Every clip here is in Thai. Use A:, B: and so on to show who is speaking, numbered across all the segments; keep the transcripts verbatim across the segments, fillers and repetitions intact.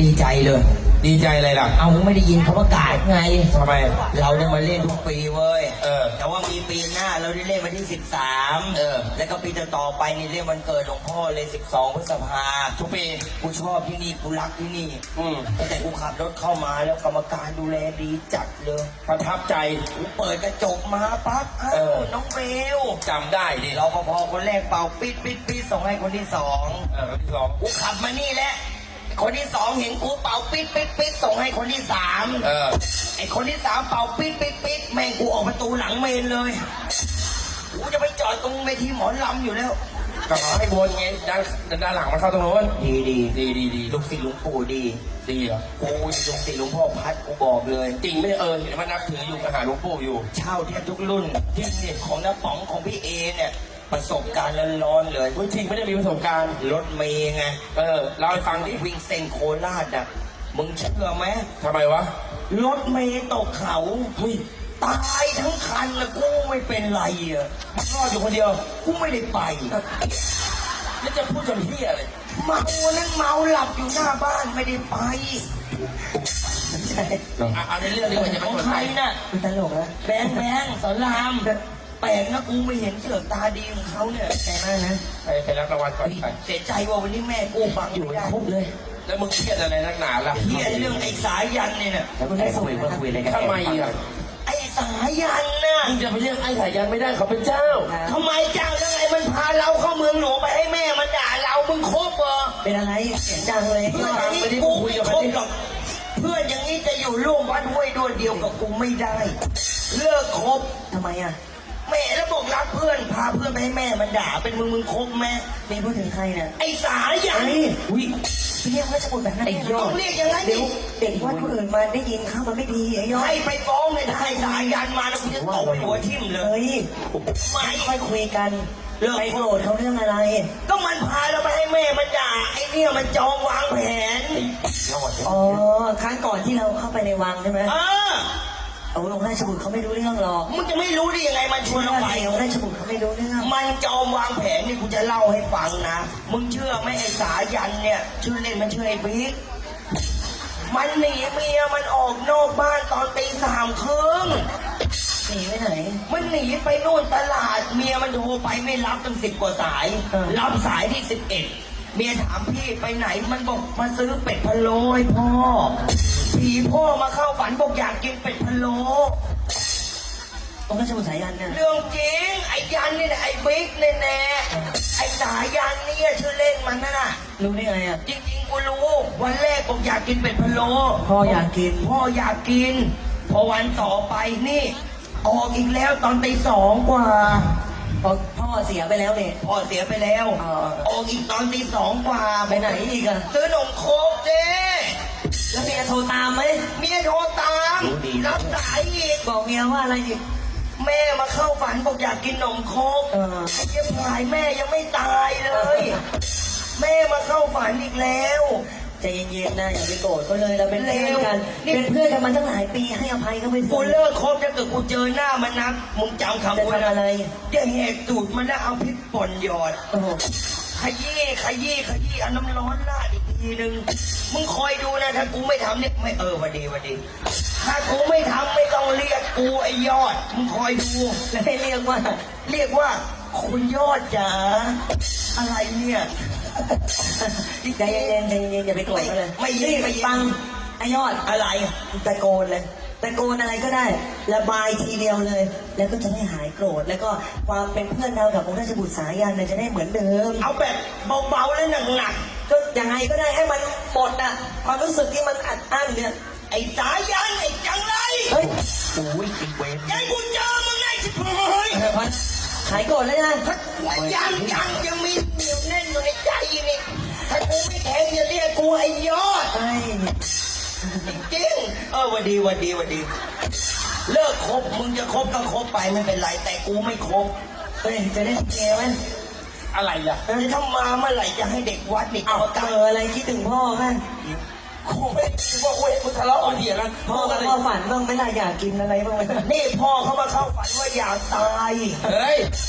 A: ดีใจเลย
B: ดีใจอะไรล่ะ
A: เอามึงไม่ได้ยินเขาประกาศไง
B: ทำไม
A: เราได้มาเล่นทุกปีเว้ย
B: เออ
A: แต่ว่ามีปีหน้าเราได้เล่นวันที่สิบสาม
B: เออ
A: แล้วก็ปีต่อๆไปนี่เล่นวันเกิดหลวงพ่อเลยสิบสองพฤษภา
B: ทุกปี
A: กูชอบที่นี่กูรักที่นี่
B: อืม
A: แต่กูขับรถเข้ามาแล้วกรรมการดูแลดีจัดเลย
B: ประทับใจ
A: กูเปิดกระจกมาปั๊บเออน้องเบล
B: จำได้ดิ
A: เราพอคนแรกเป่าปิดปิดปิดส่งให้คนที่สอง
B: เออคนที่สอง
A: กูขับมานี่แหละคนที่สองเห็นกูเป่าปิดปิดปิดส่งให้คนที่สาม
B: เออ
A: ไอคนที่สามเป่าปิดปิดปิดแม่งกูออกประตูหลังเมนเลยกูจะไปจอดตรงเวทีหมอลำอยู่แล้ว
B: ก็ขอให้บนไงด้านด้านหลังมันเข้าตรงโน้น
A: ดีดี
B: ดีดีดี
A: ลูกศิษย์หลวงปู่ดี
B: ดีเหรอ
A: กูลูกศิษย์หลวงพ่อพัดกูบอกเลย
B: จริงไม่เออเห็นว่านับถืออยู่กับหาหลวงปู่อยู่
A: เช่าแทบทุกรุ่นที่เนี่ยของน้าป๋องของพี่เอเนี่ยประสบการณ์ร้อนๆเลย
B: จริงไม่ได้มีประสบการณ์
A: รถเมย์ไง
B: เออเล่าให้ฟังดิ
A: วิ่งเส้นโคราชอ่ะมึงเชื่อไหม
B: ทำไมวะ
A: รถเมย์ตกเขา
B: เฮ้ย
A: ตายทั้งคันแล้วกูไม่เป็นไรอ่ะ
B: รอดอยู่คนเดียว
A: กูไม่ได้ไป
B: แล้วจะพูดจนที่อะไร
A: เมานั่นเมาหลับอยู่หน้าบ้านไม่ได้ไป
B: ใช่เอาในเรื่องนี้มันจะเป็น
A: ใครน่ะ
C: มันตลกนะ
A: แบงแบงสอนรามแปลกนะกูไม่เห็นเสือกตาดีของเขาเนี่ย
C: ใจมากนะ
B: ไปไปรับรางวัลก่อนไป
A: เสียใจว่าวันนี้แม่กูบัง
C: อยู่ครบเลย
B: แล้วมึงเครียดอะไรนักหนาล่ะ
A: เครียดเรื่องไอ้สายันเนี่ยนะ
C: แล้วมึงได้คุยมาคุยอะไรกัน
B: ทำไมอ่ะ
A: ไอ้สายันน่ะ
B: มึงจะไปเรียกไอ้สายันไม่ได้เขาเป็นเจ้า
A: ทำไมเจ้ายังไงมันพาเราเข้าเมืองหลวงไปให้แม่มันด่าเรามึงคบเหรอ
C: เป็นอะไรเสียงดังเลย
A: เพื่อนอย่างนี้กูไม่คบหรอกเพื่อนอย่างนี้จะอยู่ร่วมวัดห้วยด้วยเดียวกับกูไม่ได้เลิกคบ
C: ทำไมอ่ะ
A: แม่แล้วบอกรักเพื่อนพาเพื่อนไปให้แม่มันด่าเป็นมึงมึงคบแม่
C: นี่พูดถึงใครเนี่ย
A: ไอ้สายัน
C: อุ้ยเรียกว่าจะพูดแบบนั้น
A: ต้องเรียกอย่างนั้น
C: เดี๋ยวเด็กวัดคนอื่นมาได้ยินข้ามันไม่ดีไอ้ยอด
A: ให้ไปฟ้องเลยให้สายันมาแล้วกูจะตบหัวทิ่มเลย
C: ไม่ค่อยคุยกันไปโกรธเขาเรื่องอะไร
A: ก็มันพาเราไปให้แม่มันด่าไอ้เนี่ยมันจองวางแผน
C: อ๋อครั้งก่อนที่เราเข้าไปในวังใช่ไหม
A: เออ
C: เอาลงราชบุตรเขาไม่รู้เรื่องหรอก
A: มึงจะไม่รู้ได้ยังไงมันชวนเราไป
C: เอาราชบุตรเขาไม่รู้เรื่อง
A: มันจองวางแผนนี่กูจะเล่าให้ฟังนะมึงเชื่อไหมไอ้สายันเนี่ยชื่อเล่นมันชื่อไอ้บิ๊กมันหนีเมียมันออกนอกบ้านตอนตีสามครึ่ง
C: หนีไปไหน
A: มันหนีไปนู่นตลาดเมียมันโทรไปไม่รับตั้งสิบกว่าสายรับสายที่สิบเอ็ดเมียถามพี่ไปไหนมันบอกมาซื้อเป็ดพะโล้ให้พ่อผีพ่อมาเข้าฝันบอกอยากกินเป็ดพะโล้
C: องค์ราชบุตรสายันเนี่ย
A: เรื่องจริงไอ้ยันนี่แหละไอ้บิ๊กแน่แน่ไอ้สายันนี่ชื่อเล่นมันน่ะ
C: รู้ได้ไงอ่ะ
A: จริงๆกูรู้วันแรกบอกอยากกินเป็ดพะโล้
C: พ่ออยากกิน
A: พ่ออยากกินพอวันต่อไปนี่ออกอีกแล้วตอนตีสองกว่า
C: พ่อเสียไปแล้วเนี่ย
A: พ่อเสียไปแล้วออกอีกตอนตีสองกว่า
C: ไปไหนอีกอะ
A: ซื้อหนมโคกเจ้
C: แล้วเมียโทรตามไหม
A: เมียโทรตามรับสายอีก
C: บอกเมียว่าอะไรอีก
A: แม่มาเข้าฝันบอกอยากกินหนมโคกไอ้เจ้าพายแม่ยังไม่ตายเลยแม่มาเข้าฝันอีกแล้ว
C: ใจเย็นๆนะอย่าไปโกรธเขาเลยเราเป็นเพื่อนกันเป็นเพื่อนกันมาตั้งหลายปีให้อภัยเขาไป
A: กูเลิกคบถ้าเกิดกูเจอหน้ามันนะมึงจำคำว่า
C: อะไร
A: จะแหกตูดมันแล้วเอาพริกป่นหยอดขยี้ขยี้ขยี้เอาน้ำร้อนราดอีกทีนึงมึงคอยดูนะถ้ากูไม่ทำเนี่ยไม่เออวันดีวันดีถ้ากูไม่ทำไม่ต้องเรียกกูไอ้ยอดมึงคอยดู
C: แล้วให้เรียกว่า
A: เรียกว่าคุณยอดจ๋าอะไรเนี่ย
C: ใจเย็นๆใจเย็นๆอย่าไปโกรธเขาเลย
A: ไม่ยืด
C: ไปฟังไอ้ยอด
A: อะไร
C: ตะโกนเลยตะโกนอะไรก็ได้ระบายทีเดียวเลยแล้วก็จะได้หายโกรธแล้วก็ความเป็นเพื่อนเรากับองค์ราชบุตรสายันจะได้เหมือนเดิม
A: เอาแบบเบาๆและหนัก
C: ๆก็ยังไงก็ได้ให้มันหมดอ่ะความรู้สึกที่มันอัดอั้นเนี่ย
A: ไอ้สายันไอ้จังไร
C: เฮ้ย
A: โอ้ยติดเวรยังกูเจอมึงไงชิบหาย
C: หายโกรธแล้วนะ
A: ยังยังยังมีเหนียวแน่นอยู่ในใจนี่ถ้ากูไม่แทงอย่าเรียกกูไอ้ยอดจริงเออวันดีวันดีวันดีเลิกคบมึงจะคบก็คบไปไม่เป็นไรแต่กูไม่คบ
C: เฮ้ยจะได้เกไหม
A: อะไรล่ะถ้ามาเมื่อไหร่จะให้เด็กวัดนี่
C: เอาเจออะไรคิดถึงพ่อไหม
A: กูไม่คิดว่าเว้ยมึงทะเลาะกันเถียงกัน
C: พ่อพ่อฝันบ้างไม่ได้อยากกินอะไรบ้างไหม
A: นี่พ่อเขามาเข้าฝันว่าอยากตาย
B: เฮ้ย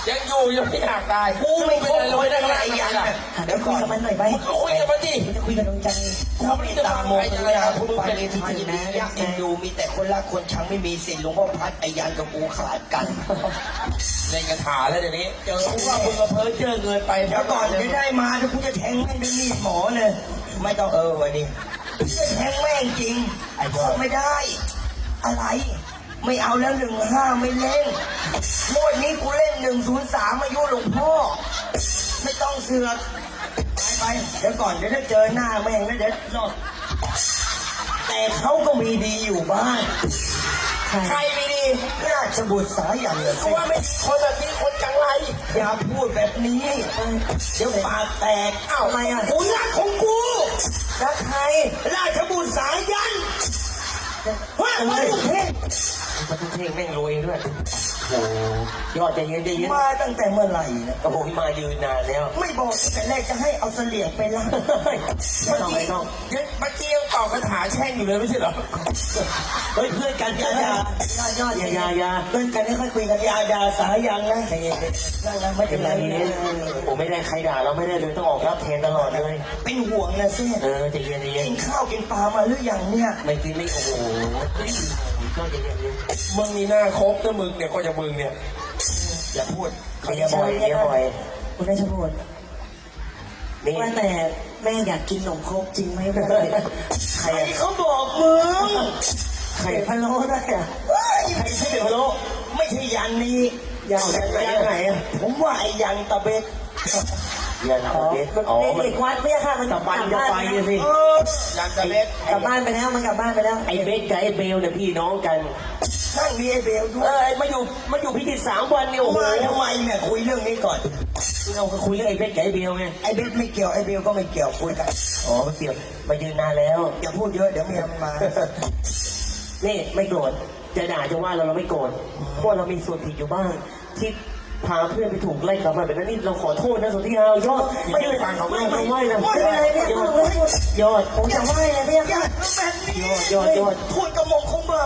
B: ยังอยู่ยังไม่อยากตาย
A: กูไม่
B: เป็
A: คน น
B: อะไร
A: ค
B: ไม่
A: น
B: ได้
A: อะไร
B: ขนาด
A: ยั
B: นั้น
A: น
B: ล่ะ
C: เดี๋ยวคุยกับมันหน่อยไป
B: ก็คุยกับมันดิ
C: จะคุยกับดวงใจ
A: กูไม่ตามโมกเลยนะทุกปานิทานนะยักษ์เอ็นดูมีแต่คนรักคนชังไม่มีสิทธิ์หลวงพ่อพัดไอ้ยันกับกูขาดกัน
B: เล่นกระถาแล้วเดี๋ยวนี้
A: เจอ
B: กูว่ามึงกับเพิร์ดเจอเงินไป
A: เดี๋ยวก่อนจะได้มาถ้ากูจะแทงแม่งด้วยมีดหมอเลยไม่ต้องเออวันนี้จะแทงแม่งจริงไอ้พ่อไม่ได้ อะไร ไม่เอาแล้วหนึ่งห้าไม่เล่นงวดนี้กูเล่นหนึ่งศูนย์สามอายุหลวงพ่อ ไม่ต้องเสือกไปไปเดี๋ยวก่อนเดี๋ยวถ้าเจอหน้าแม่งแล้วเดี๋ยวรอดแต่เขาก็มีดีอยู่บ้าง
B: ใครไม่ดี
A: ราชบุตรสายันเลย
B: กูว่าไม่ดีคนแบบนี้คนจังไร
A: อย่าพูดแบบนี้เดี๋ยวปากแตก
C: อ้าวทำไมอ่ะ
A: กูรักของกู
C: รักใคร
A: ราชบุตรสายันว่ามาดูเพลง
B: มันเพลงแม่งรวยด้วยโอ้ยอดใจเย็นใจเย็น
A: มาตั้งแต่เมื่อไหร่นะ
B: โอ้โหมายืนนานแล้ว
A: ไม่บอกตั้งแต่แรกจะให้เอาเสลี่ยงไปล่า
B: ไม่ต้องไม่ต้องเมื่อกี้ยังตอบคาถาแช่งอยู่เลยไม่ใช่เหรอเฮ้ยเพื่อนกัน
A: ยา
B: กัน
A: ยายายอด
B: ยายายา
A: เล่นกันไม่ค่อยคุยกันยาดาสายันนะใจเย็นๆนั่งนะไม่เป็นไรนะ
B: ผมไม่ได้ใครด่าเราไม่ได้เลยต้องออกรับแทนตลอดเลย
A: เป็นห่วงนะเซ่
B: เออใจเย็นใจเย็น
A: กินข้าวกินปลามาหรือยังเนี่ย
B: ไม่กินไม่โอ้โหก็ใจเย็นมึงมีหน้าครบนะมึงเนี่ยก็จะมึงเนี่ย
A: อย่าพูด
B: เมียบ่อยเมียบ่อย
C: คุณได้ชพูด
B: นี่
C: ว่าแต่แม่อยากกินขนมครกจริงไหมเพื่อน
A: ใครเขาบอกมึง
B: ใคร
C: ไข่พะโล้ได้อะ
A: เฮ้ย
B: ใครใช่เด็กพะโล้
A: ไม่ใช่ยันนี้
C: ยัน
B: ยันไหนยันไหนอะ
A: ผมว่าไอ้ยันตะเบ็ด
B: ยัน
C: อ๋อ
B: เด็ก
C: มัน
B: อ๋อ
C: เป็น
B: มัน
C: เด็กวัดไม่ใช่ค่ะมัน
B: ตะบันจะไปสิ
A: เออยันตะเบ็ด
C: กลับบ้านไปแล้วมันกลับบ้านไปแล้ว
B: ไอ้เบสกับไอ้เบลเนี่ยพี่น้องกัน
A: นั่งมีไอ้เบลด้ว
B: เอย อมาอยู่มาอยู่พิธีสามวันเนี่ยโอ้โห
A: มาทำไมเนี่ยคุยเรื่องนี้ก่อน
B: เราก็คุยเรื่องไอ้เบสกับไอ้เบลไง
A: ไอ้เบลไม่เกี่ยวไอ้เบลก็ไม่เกี่ยวคุยกัน
B: อ๋อมาเกี่ยวมายืนนานแล้ว
A: อย่าพูดเยอะเดี๋ยวเมียมันมา
B: นี่ไม่โกรธจะด่าจะว่าเราเราไม่โกรธเพราะเรามีส่วนผิดอยู่บ้าง ที่พาเพื่อนไปถูกไล่กลับมาแบบนั้นนี่เราขอโทษนะสุธิยายอดไม่ได้ฟังเขาไม่ไม่ไม่นะ
C: ไม่เป็นไรไม่ต้องเลย
B: ยอด
C: ผมจะไหว้เลยพี่
A: อย่าทำแบบนี้
B: ยอดยอด
A: พูดกระหม่อมของเรา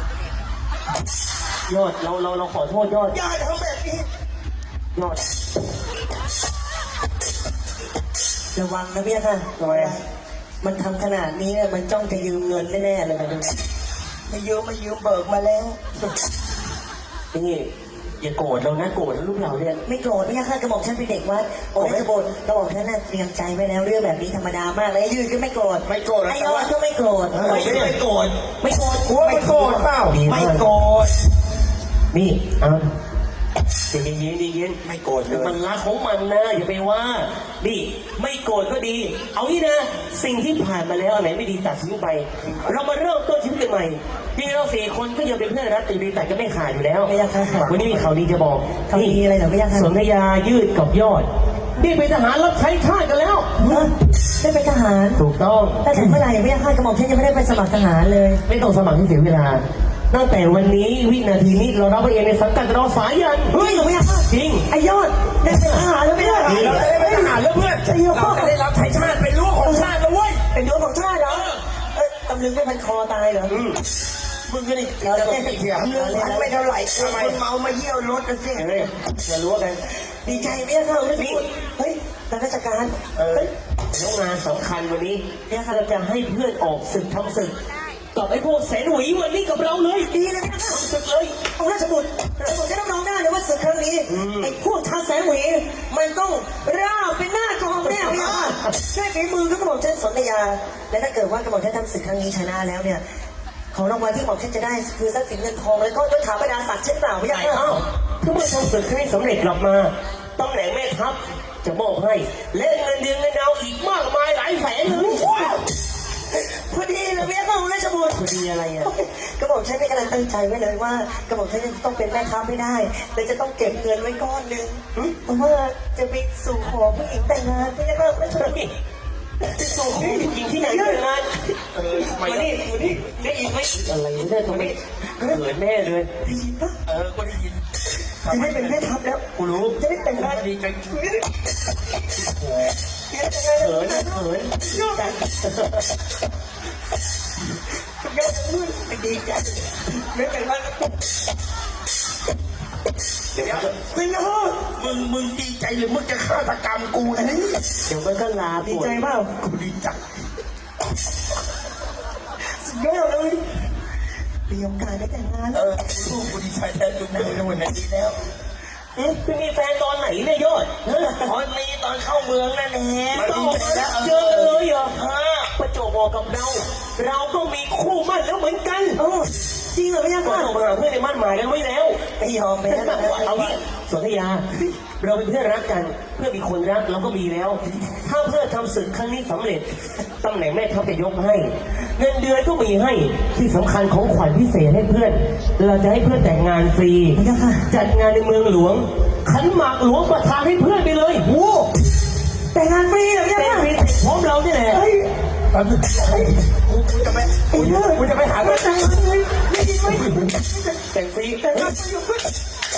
B: ยอดเราเราเราขอโทษยอด
A: อย่าทำแบบนี้
B: ยอด
C: ระวังนะพี่ค่ะ
B: ทำไมอะ
C: มันทำขนาดนี้เนี่ยมันจ้องจะยืมเงินแน่ๆเลยนะดู
A: ไม่ยืมไม่ยืมเบิกมาแล้ว
B: นี่อย่าโกรธเรานะโกรธลูกเราเนี่ย
C: ไม่โกรธพี่ค่ะกระบอกฉันเป็นเด็กวัดโอ้ยกระบอกกระบอกฉันน่ะเตรียมใจไว้แล้วเรื่องแบบนี้ธรรมดามากเลยยืนก็ไม่โกรธ
A: ไม่โกรธ
C: ไอ้ยอดก็ไม่โกรธ
A: ไม่ไม่โกรธ
C: ไม่โกรธ
B: กลัวไม่โกรธเปล่า
A: ไม่โกรธ
B: นี่เอาใจเย็นๆใจเย็น
A: ไม่โกรธเลย
B: มันรักของมันนะอย่าไปว่านี่ไม่โกรธก็ดี เอางี้นะ สิ่งที่ผ่านมาแล้วอะไรไม่ดีตัดทิ้งไป เรามาเริ่มต้นชีวิตกันใหม่ที่เราสี่คนก็ยังเป็นเพื่อนรักตีดีแต่ก็ไม่ขาดอยู่แล้ว
C: ไม่ยากค่ะ
B: วันนี้มีข่าวดีจะบอก
C: เขามีอะไรเหรอไม่ยากค่ะ
B: สนธยายืดกับยอดนี่เป็นทหารรับใช้ชาติกันแล้ว
C: ได้เป็นทหาร
B: ถูกต้อง
C: ตั้งแต่เมื่อไหร่ไม่ยากค่ะกระบอกฉันยังไม่ได้ไปสมัครทหารเลย
B: ไม่ต้องสมัครให้เสียเวลา ตั้งแต่วันนี้วินาทีนี้เรารับไปเองในสังกัดเราสายัน
C: เฮ้ยหนูไม่ยากค่ะ
B: จริง
C: ไอ้ยอดได้เป็นทหารแล้วไม่ได้
B: เราจะได้เป็นทหารแล้วเพื่อน
C: ไอ้ยอด
B: เราจะได้รับใช้ชาติเป็นรั้วของชาติแล้วเว้ย
C: เป็นรั้วของชาติเหรอเอ้ยตำลึงไม่พันคอตายเหรอ
B: มึงก็นี่
C: เราเล่น
A: เถียงเรื่องพันไม่เท่าไหร่คนเมามาเยี่ยวรถนะสิ
B: เฮ้ยอย่ารู้กัน
C: ดีใจไม่ยากค่ะไม่ได้พูดเฮ้ยทางราชการ
B: เออ
C: เฮ้ย
B: แล้วงานสำคัญวันนี้เนี่ยเราจะให้เพื่อนออกศึกทำศึกกับไอ้พวกแสนหวีวันนี้กับเราเลย
C: ดีเลยไม่ยากค่ะ
B: ทำศึกเลย
C: องค์ราชบุตรราชบุตรจะรับรองได้เลยว่าศึกครั้งนี้ไอ้พวกชาวแสนหวีมันต้องราบเป็นหน้ากองแน่พี่ค่ะด้วยฝีมือก็กระบอกฉันสนธยา และถ้าเกิดว่ากระบอกฉันทำศึกครั้งนี้ชนะแล้วเนี่ยของรางวัลที่กระบอกฉันจะได้คือทรัพย์สินเงินทองแล้วก็ยศถาบรรดาศักดิ์เช่นเปล่าพี่
B: ใหญ่
C: ค่ะ
B: เอ้าถ้าเมื่อทำศึกให้สำเร็จกลับมาตำแหน่งแม่ทัพจะมอบให้และเงินเดือนเงินดาวอีกมากมายหลายแสนเลย
C: พอดีเลยพี่ค่ะองค์ราชบุตร
B: พอดีอะไรอ่ะ
C: กระบอกฉันได้กำลังตั้งใจไว้เลยว่ากระบอกฉันจะต้องเป็นแม่ทัพไม่ได้แต่จะต้องเก็บเงินไว้ก้อนหนึ่งเพราะว่าจะไปสู่ขอผู้หญิงแต่งงานพี่ค่ะราชบุตร
B: ไปสู่ขอผู้หญิงที่ไหนเกิดงานเออมานี่มานี่ได้ยินไหมอะไรเนี่ยทำไมเขินแน่เลย
C: ได้ยินปะ
B: เออก็ได้ยิน
C: จะได้เป็นแม่ทัพแล้ว
B: กูรู้
C: จะได้แต่งงาน
B: ดีใจ
C: เขิน
B: เขินเขิน
C: ยอดยอดมืดดีใจไม่แต่งงาน
B: เดี๋ยว
A: ไม่นะมึงมึงดีใจหรือมึงจะฆาตกรรมกูนะเนี่ย
B: เดี๋ยวมันก็ลา
C: ดี
B: ปวด
C: ใจเปล่า
A: กูดีใจ
C: สุดยอดเลยมีโอกาสได้แต่งงาน
A: เอ
C: แล้ว
A: อลูกกูดีใจแทนมึงนะในวันนี้ดีแล้ว
B: เอ๊ะไปมีแฟนตอนไหนเนี่ยยอดเออ
A: ตอนนี้ตอนเข้าเมืองนั่นแหละ
B: ก็ออกมาเจอกันเลยเหรอฮะประจวบเหมาะกับเรา เราก็มีคู่มั่นแล้วเหมือนกัน
C: โอ้จริงเหรอพี่ยักษ์
B: ก็
C: ค่ะ
B: ออกมาหาเพื่อนในมั่นหมายกันไว้แล้ว
C: ไม่ยอมไปแล้วนะ
B: เอางี้สนธยา เราเป็นเพื่อนรักกัน เพื่อนมีคนรักเราก็มีแล้ว ถ้าเพื่อนทำศึกครั้งนี้สำเร็จตำแหน่งแม่ทัพจะยกให้ เงินเดือนก็มีให้ที่สำคัญของขวัญพิเศษให้เพื่อน เราจะให้เพื่อนแต่งงานฟรี
C: พี่ยักษ์ค่ะ
B: จัดงานในเมืองหลวง ขันหมากหลวงประทานให้เพื่อนไปเลย
C: โอ้แต่งงานฟรีเหรอพี่ยัก
B: แต่
C: ษ์
B: ง
C: ค่ะ
B: ฟรีพร้อมเราเนี่ยแหละ
C: เฮ้ย
A: แป๊บนึงกูกูจะไป
C: ไอ้เลิศ
A: กูจะไปหา
C: มาแต่งงานเลยไม่ดีไหม
B: แต่งฟรี
C: แต่งงานฟรีอยู่เพื่อน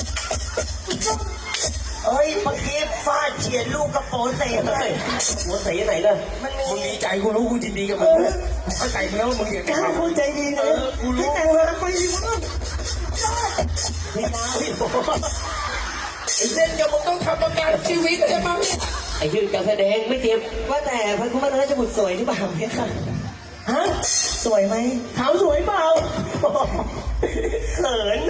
A: เอ้ยเมื่อกี้ฟาดเฉียดลูกกระโปรงเตะเล
B: เฮ้
A: ย
B: ยหัวใส่ไหนล่ะ
A: มันมึงดีใจกูรู้กูยินดีกับมึงนะเข้าใจมึงแล้วว่ามึงอยากจะ
C: จ้า
A: ทำ
C: คนใจดีนะให้แต่งงานฟรีอยู่เพื่อน
B: พี่ดาวพี่
A: ไอ้เล่นกับมึงต้องทำประกันชีวิตใช่ไหม
B: ไอ้ยืนการแสดงไม่เจ็บ
C: ว่าแต่พระคุณแม่ราชบุตรสวยหรือเปล่าเนี่ยค่ะ
B: ฮะ
C: สวยไหม
B: ขาวสวยเปล่าเขิน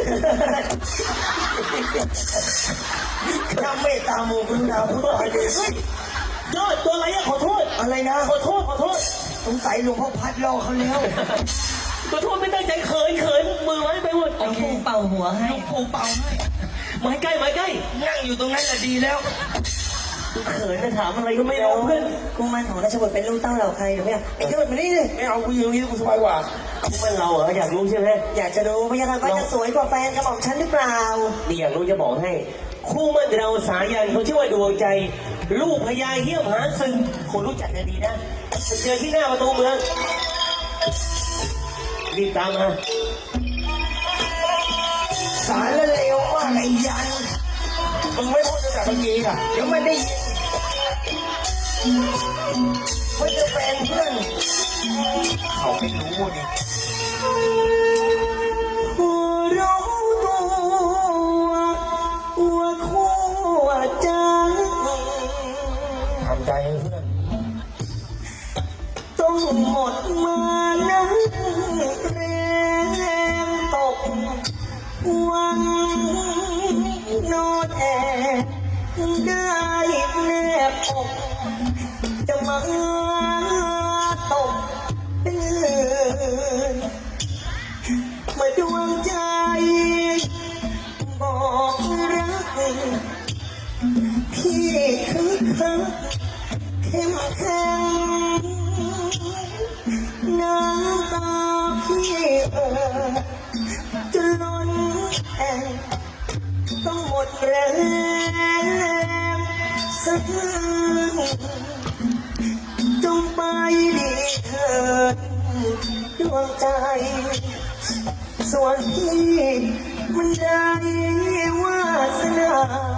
A: น้ำเมตตาโมกุณดาวพูดอะไรเฮ้ย
B: ยอดตัวอะไรอะขอโทษ
A: อะไรนะ
B: ขอโทษขอโทษ
A: สงสัยหลวงพ่อพัดรอเขาแล้ว
B: ขอโทษไม่ตั้งใจเขินเขินมือไว้ไปหมด
C: เอาครูเป่าหัวให้
A: หลวงปู่เป่าให้
B: ไม้ใกล้ไม้ใกล้
A: นั่งอยู่ตรงนั้นแหละดีแล้ว
B: เขินจะถามอะไรก็ไม่รู้เพื่อน
C: กุมารของราชบุตรเป็นลูกเต้าเหล่าใครหรือไม่ไอ้ยอดมานี่เลย
A: ไม่เอากูอยู่ตรงนี้กูสบายกว่า
B: เพื่อนเราเหรออยากรู้ใช่ไหม
C: อยากจะรู้พยาค่ะว่าจะสวยกว่าแฟนกระหม่อมฉันหรือเปล่า
B: นี่อยากรู้จะบอกให้ คู่มั่นเราสายันเขาชื่อว่าดวงใจ ลูกพญาเหี้ยมหาซึงคนรู้จักกันดีนะไปเจอที่หน้าประตูเมืองรีบตามมา
A: สารละเลวมากไอ้ยันมึงไม่พูดตั้งแต่เมื่อกี้อ่ะเดี๋ยวมันได้ยินว่าจะแฟนเพื่อนเขาไม่รู้ดิ
C: ผู้รู้ตัวว่าคู่จัง
A: ทำใจให้เพื่อน
C: ต้องหมดมานะแรงตกวังนอนแอบได้แนบอกจะมาตกเป็นเลือนมาดวงใจบอกรักพี่คึกคักเข้มแข็งน้ำตาพี่เอ่อจะล้นแอ่งต้องหมดแรงสักคืนจงไปดีเถิดดวงใจ ส่วนพี่มันได้วาสนา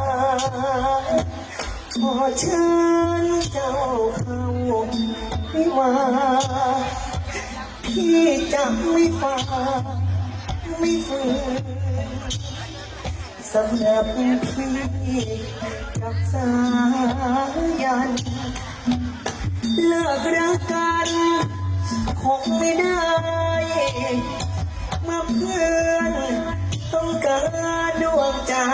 C: ขอเชิญเจ้าเข้าวิวาพี่จะไม่ฝ่าไม่ฝืนสำหรับพี่กับสายัน เลิกรักกันคงไม่ได้เมื่อเพื่อนต้องการดวงใจ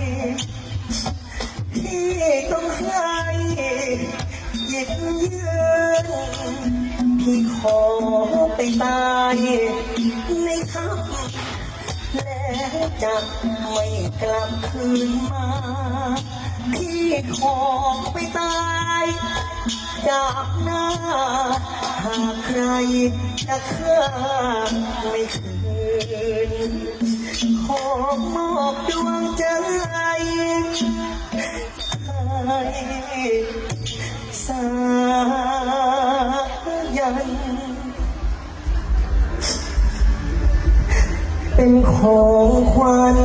C: ที่ต้องให้หยิบยืนพี่ขอไปตายในทัพแล้วจะไม่กลับคืนมาพี่ขอไปตายจากหน้าหากใครจะฆ่าไม่คืนขอมอบดวงใจให้สายัน เป็นของขวัญ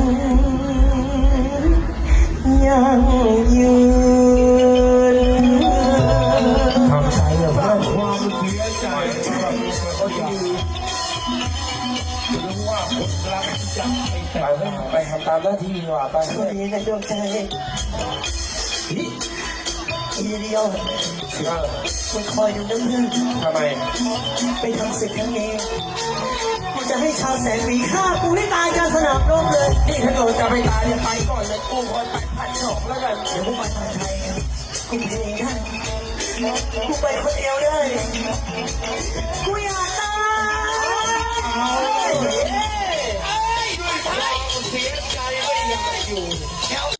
C: ยังยืน
A: ทำใจแบบว่าความเสียใจเขาดี
D: รู้ว่าคนรักจะไม่แต่งงานไปทำตามหน้าที่ดีกว่าไป
C: โชคดีนะดวงใจอีเดียวคุณคอยดูนะเพื่อน
D: ทำไม
C: ไปทำศึกครั้งนี้กูจะให้ชาวแสนหวีฆ่ากูให้ตายกลางสนามรบเลย
D: นี่ถ้าเกิดจะไปตายเนี่ยไปก่อนเลยกูคอยไปพันสองแล้วกัน
C: เดี๋ยวกูไปทางไทยกูไปเองได้กูไปคนเดียวได้กูอยากตาย